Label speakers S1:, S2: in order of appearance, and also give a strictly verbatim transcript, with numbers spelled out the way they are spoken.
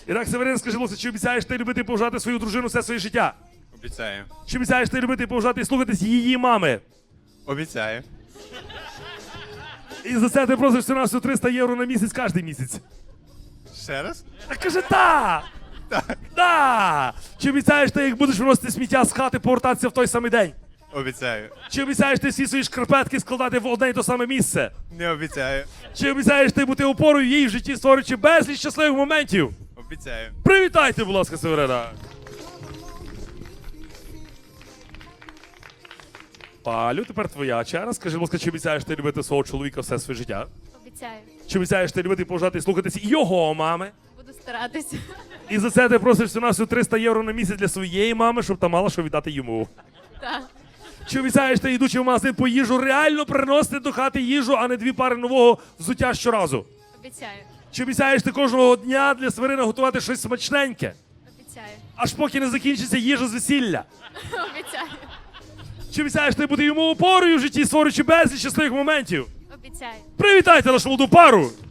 S1: Ірак Северин, скажи, будь ласка, чи обіцяєш ти любити і поважати свою дружину все своє життя?
S2: Обіцяю.
S1: Чи обіцяєш ти любити і поважати і слухатись її мами?
S2: Обіцяю.
S1: І за це ти просиш всього триста євро на місяць кожен місяць.
S2: Ще раз?
S1: Так каже, так!
S2: Так.
S1: Да! Чи обіцяєш ти, як будеш виносити сміття з хати, повертатися в той самий день?
S2: Обіцяю.
S1: Чи обіцяєш ти всі свої шкарпетки складати в одне й те саме місце?
S2: Не обіцяю.
S1: Чи обіцяєш ти бути опорою їй в житті, створюючи безліч щасливих моментів?
S2: Обіцяю.
S1: Привітайте, будь ласка, Северина. Палю, тепер твоя черга. Скажи, будь ласка, чи обіцяєш ти любити свого чоловіка все своє життя?
S3: Обіцяю.
S1: Чи обіцяєш ти любити і поважати і слухатися його мами?
S3: Буду старатися.
S1: І за це ти просиш всього триста євро на місяць для своєї мами, щоб та мала що віддати йому.
S3: Так.
S1: Чи обіцяєш ти, йдучи в магазин по їжу, реально приносити до хати їжу, а не дві пари нового взуття щоразу?
S3: Обіцяю.
S1: Чи обіцяєш ти кожного дня для Северина готувати щось смачненьке?
S3: Обіцяю.
S1: Аж поки не закінчиться їжа з весілля?
S3: Обіцяю.
S1: Чи обіцяєш ти бути йому опорою в житті, створюючи безліч щасливих моментів?
S3: Обіцяю.
S1: Привітайте нашу молоду пару!